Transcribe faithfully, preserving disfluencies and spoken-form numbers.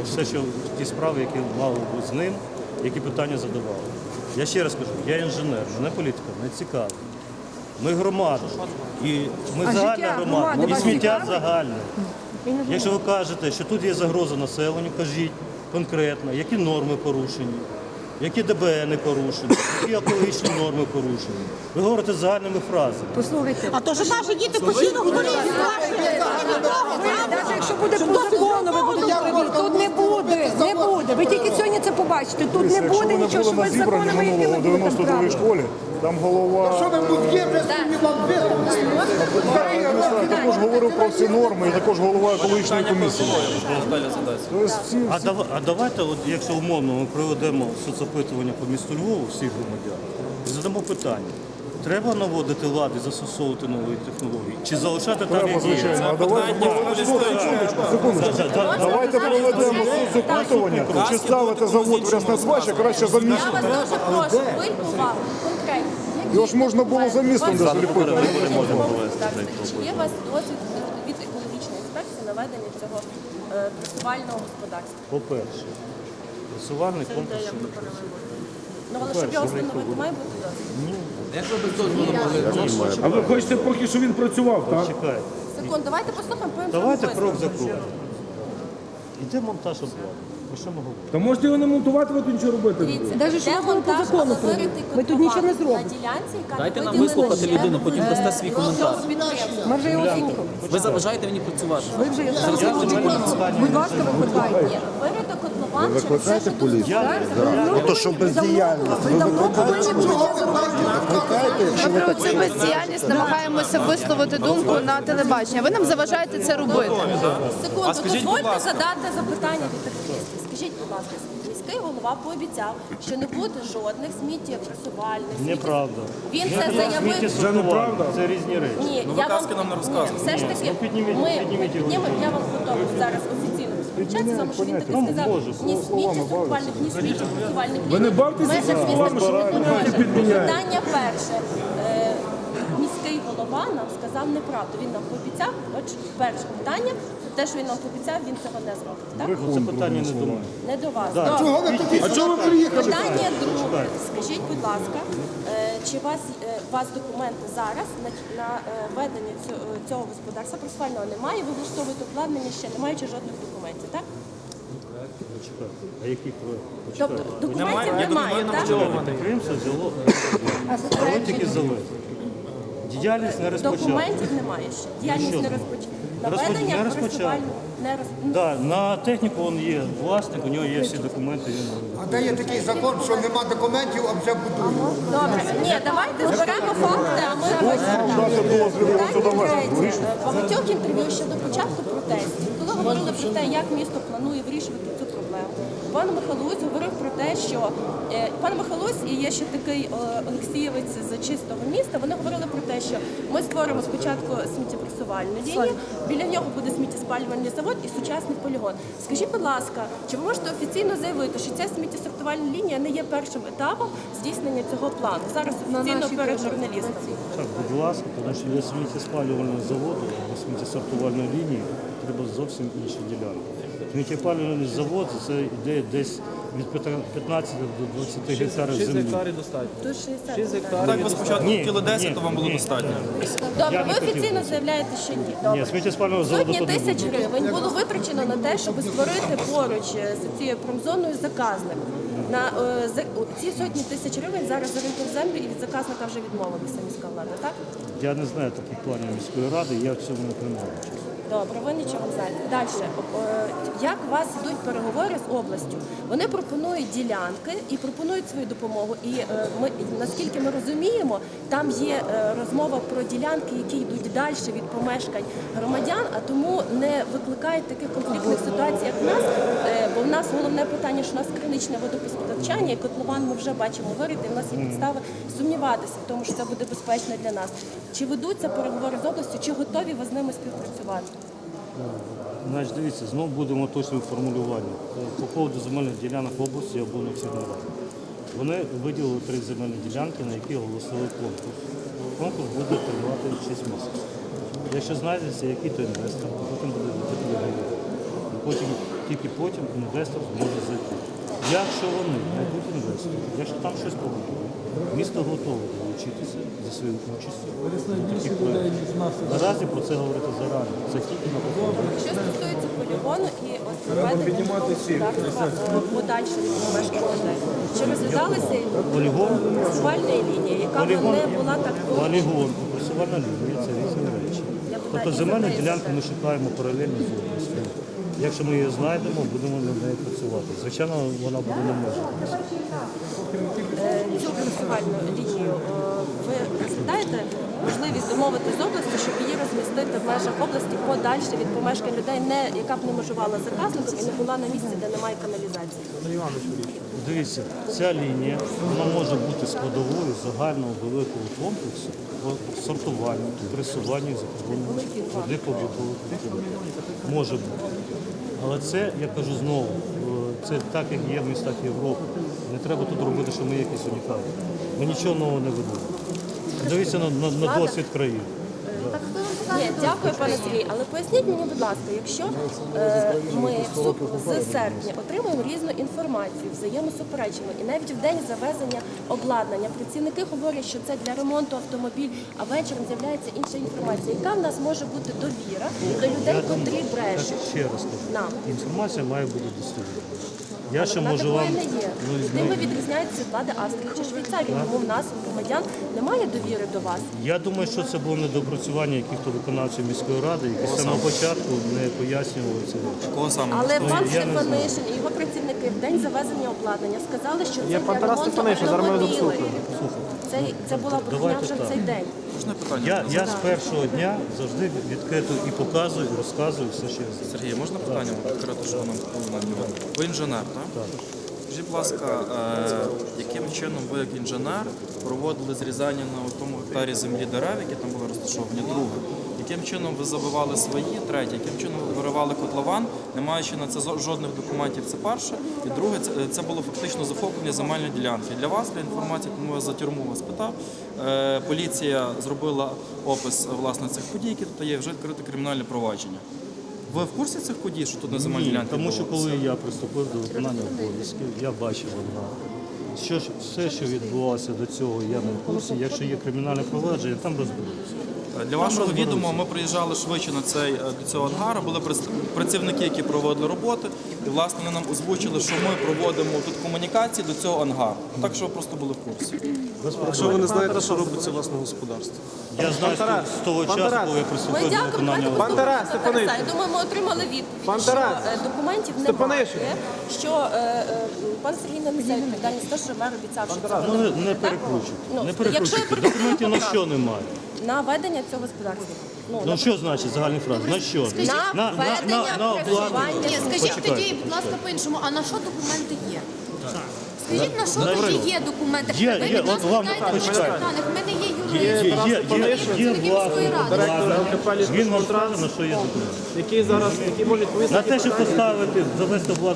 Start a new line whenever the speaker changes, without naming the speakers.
все, що ті справи, які мали бути з ним, які питання задавали. Я ще раз кажу, я інженер, мене політика не цікавить. Ми громада, і ми
А
загальна
життя
громада,
громади
і
вас
сміття
цікавить?
загальне. Якщо ви кажете, що тут є загроза населенню, кажіть конкретно, які норми порушені, які ДБНи порушені, які екологічні норми порушені. Ви говорите загальними фразами.
Послухайте,
А то, що наші діти постійно в поліції
навіть якщо буде по закону, ви будете говорити, тут не буде, не буде. Ви тільки сьогодні це побачите. Тут не
Якщо
буде
ви не
нічого, що
були
ви
на зібранні
законами, які
минулого
ви
в
будете
дев'яносто другій
правильно.
школі, там голова
Що ви будь є вже сьогодні вам висловити?
також говорив про всі норми і також голова екологічної комісії. Тобто всі,
А,
всі
дав- а давайте, от, якщо умовно ми проведемо соцопитування по місту Львову всіх громадян, і задамо питання. Треба наводити лад і застосовувати нові технології? Чи залишати так,
треба,
як є?
звичайно. А давайте проведемо, секундочку, секундочку. Давайте проведемо соцопитування, чи ставити завод в Ряснацбач, а краще за
Я
містом.
вас дуже прошу, зверніть увагу конкретно. які
Його ж можна було за містом
у вас
де заліпити.
Чи є у вас досвід від екологічної інспекції на ведення цього е, пресувального господарства?
По-перше, пресувальний
Це
комплекс.
ідея попередньо. Ну, але щоб його встановити, має бути досвід.
А ви хочете поки що він працював, так?
Чекайте.
Секунд, давайте послухаємо, потім
Давайте
зробимо
крок за
висновок.
кроком. Іде монтаж обладнання. Про що ми говоримо?
Та можете його не монтувати, ви тут нічого робити.
Дивіться,
Навіть що
де
ви по
монтаж,
закону
але виритий
прийняли. Ви тут нічого не
котлован
зробите.
на ділянці, яка
Дайте нам
виділена
вислухати
ще,
людину, потім
е,
дасте свій коментар.
розпис підприємства.
Ми вже його слухали.
Ви заважаєте мені працювати.
Ви вже його слухали. Будь ласка, викликайте.
Ні, вирито котлован через все, що тут
Ну, то що бездіяльність. Ви давно повинні були це зробити.
Ми про цю бездіяльність намагаємося висловити думку на телебаченні. Ви нам заважаєте це робити.
Секунду, дозвольте задати запитання від активістів. Скажіть, будь ласка, міський голова пообіцяв, що не буде жодних сміттєпресувальних. сміттє-
Неправда.
Він це заявив.
Сміттєсортування – це різні речі.
Ні, я вам
казки нам не
ні,
розказуйте.
все ж таки,
ну, підніміть-
ми, ми
підніміть його.
піднімемо, я вам готова зараз офіційно сперечатися, тому що він таки
Ну,
сказав,
може,
ні сміттєсортувальних, ні сміттєпресувальних.
Ви не бавтеся
Межах
зі
він
словами, що ви
не
тут
може.
підміняєте.
Питання перше. Е, Міський голова нам сказав неправду. Він нам пообіцяв, от перше питання, те, що він нам пообіцяв, він цього не зробить. Так?
Ну, це питання не до мене.
Не до вас.
Да.
Добре.
Чого ви тоді
А чого ви приїхали?
Питання друге. Скажіть, будь ласка, е, чи у вас, е, у вас документи зараз на, на е, ведення цього, цього господарства пресувального немає, ви влаштовуєте обладнання ще, не маючи жодних документів, так?
Почекайте. А який проєкт?
Тобто
Почекайте.
документів немає, так?
Підприємство взяло завод тільки завезли. Діяльність не розпочала.
Документів немає ще. Діяльність
що
не
немає?
розпочала.
Розпоч-
Наведення
не розпочала.
пресувального не роз...
Да, на техніку він є власник, у нього є всі документи. Він...
А де є такий закон, що нема документів, а вже будують?
Добре. Ні, давайте зберемо факти, а ми розповідаємо.
дати дозвіл його сюди везти.
Третє. Багатьох інтерв'ю ще до початку протестів, коли говорили про те, як місто планує вирішувати цю проблему. Пан Михайлович говорив про те, що е, пан Михайлович і є ще такий е, Олексієвець з чистого міста. Вони говорили про те, що ми створимо спочатку сміттєпресувальну лінію, біля нього буде сміттєспалювальний завод і сучасний полігон. Скажіть, будь ласка, чи ви можете офіційно заявити, що ця сміттєсортувальна лінія не є першим етапом здійснення цього плану? Зараз офіційно перед журналістами.
Так, будь ласка, тому що для сміттєспалювального заводу, для сміттєсортувальної лінії треба зовсім інші ділянки. Сміттєспалювальний завод – це йде десь від п'ятнадцяти до двадцяти гектарів
шість
землі.
гектарів достатньо.
До шістдесят.
шість
Так.
гектарів.
Так,
ви спочатку
Ні,
хотіли десять,
ні,
то вам було
ні.
достатньо.
Добре,
Я не
ви
хотів
офіційно
би це.
заявляєте, що ні.
Ні,
Добре.
сміттєспалювального заводу
Сотні
тут не
тисяч
буде.
гривень було витрачено на те, щоб створити поруч з цією промзоною заказник. На е, за- о, ці сотні тисяч гривень зараз за ринком землі і від заказника вже відмовилася міська влада, так?
Я не знаю таких планів міської ради, я в цьому не приймаю участь.
Добре, ви нічого не знаєте. Далі, як у вас йдуть переговори з областю? Вони пропонують ділянки і пропонують свою допомогу. І е, ми, наскільки ми розуміємо, там є е, розмова про ділянки, які йдуть далі від помешкань громадян, а тому не викликають таких конфліктних ситуацій, як в нас. Е, бо в нас головне питання, що у нас криничне водопостачання, і котлован ми вже бачимо вирити, і в нас є підстави сумніватися в тому, що це буде безпечно для нас. Чи ведуться переговори з областю, чи готові ви з ними співпрацювати?
Значить, дивіться, знову будемо точним формулюванням. По поводу земельних ділянок в області я був на всіх нарадах. Вони виділили три земельні ділянки, на які оголосили конкурс. Конкурс буде тривати шість місяців. Якщо знайдеться, який то інвестор, потім буде йти переговори. Потім тільки потім інвестор зможе зайти. Якщо вони знайдуть інвестора, якщо там щось побудують, місто готове долучитися зі своєю участю до таких проєктів. Наразі про це говорити зарано. Це тільки на походу.
Що стосується полігону і от проведення господарства е, подальше від мешканців людей, чи розглядалася
Полігон,
муніципальна лінія, яка б
полігон,
не була так
полігон, пресувальна лінія – це різні речі.
Я б
Тобто
так і
земельну
за те, і
ділянку
за те.
ми шукаємо паралельно з областю. Якщо ми її знайдемо, будемо над нею працювати. Звичайно, вона буде не може.
Е, цю пресувальну лінію е, ви розглядаєте можливість домовити з областю, щоб її розмістити в межах області подальше від помешкань людей, не яка б не межувала заказником і не була на місці, де немає каналізації.
Дивіться, ця лінія вона може бути складовою загального великого комплексу по сортуванню, пресуванню і захороненню води побутових відходів. Може бути. Але це, я кажу знову, е, це так, як є в містах Європи. Не треба тут робити, що ми якісь унікальні. Ми нічого нового не ведемо. Дивіться на, на, на досвід країн.
Ні, дякую, пане Сергій. Але поясніть мені, будь ласка, якщо е, ми в суп- з серпня отримуємо різну інформацію, взаємосуперечимо, і навіть в день завезення обладнання працівники говорять, що це для ремонту автомобіль, а вечором з'являється інша інформація. Яка в нас може бути довіра до людей, котрі
Так,
брешуть?
ще раз кажу,
Нам.
інформація має бути достовірною. Я ще
Вона
можу
такої
вам...
не є.
Ну,
Тим
ну,
ви відрізняєтеся від влади Австрії чи Швейцарії, тому в нас, громадян, немає довіри до вас.
Я думаю, що це було недопрацювання яких-то виконавців міської ради, які з самого початку не пояснювали ці речі.
Кого саме?
Але
Ну,
пан
я не знаю.
Стефанишин і його працівники в день завезення обладнання сказали, що це
Є
для
пан Тарас
ремонту
Стефанишин, зараз ми його
автомобілів. Це, це була брехня
Давайте
вже в
так.
цей день.
Можна питання?
Я, я з першого дня завжди відкрито і показую, і розказую все, що я знаю.
Сергій, можна питання конкретно, що нам сказали? Ви інженер, так?
Так.
Скажіть, будь ласка, е, яким чином ви, як інженер, проводили зрізання на тому гектарі землі дерев, які там були розташовані, друге? Яким чином ви забивали свої, третє, яким чином ви виривали котлован, не маючи на це зо- жодних документів, це перше. І друге, це, це було фактично захоплення земельної ділянки. Для вас, для інформації, тому я за тюрму вас питав, е, поліція зробила опис власне цих подій, які тут є, вже відкрите кримінальне провадження. Ви в курсі цих подій, що тут на земельній
Ні,
ділянці
тому що
відбувалося?
коли я приступив до виконання обов'язків, я бачив одна. Що ж, все, що відбувалося до цього, я не в курсі. Якщо є кримінальне провадження, там розберуться.
Для вашого відома, ми приїжджали швидше на цей, до цього ангару, були прес- працівники, які проводили роботи, і власне вони нам озвучили, що ми проводимо тут комунікації до цього ангару. Так що ви просто були в курсі.
Якщо ви не знаєте, що робиться власне господарство.
Я знаю з того- з того часу, коли я
Ми
приступив до
дякуємо,
виконання
давайте
обов'язків.
Тарас
послухаємо Тараса.
Стефанишин.
Я думаю, ми отримали відповідь,
Пан
що
Тарас
е, документів
Стефанишин.
немає, що е, е, пан Сергій не несе відповідальність, те, що мер обіцяв, що цього
Ну,
не
не,
буде.
не
так?
перекручуйте.
Ну,
Не
якщо я
перекручуйте.
перекручую,
Документів на
то
що немає?
На ведення цього господарства. Ну,
Ну що значить загальний фраз? На що?
на ведення, працювання.
Ні, скажіть
Почекайте.
тоді, будь ласка, по-іншому, а на що документи є? Скажіть, на що
Добре.
тоді є документи?
Є,
Ви
є,
від нас
от вам
питаєте
почекайте.
наших даних, ми не є
Є,
юристи.
є, є, є, є
Працівники
власник,
міської ради.
Директор ЛКП
Він вам
«Лістрансу»,
скаже, на що є документ.
який зараз який може відповісти.
На те, щоб поставити, завести обладнання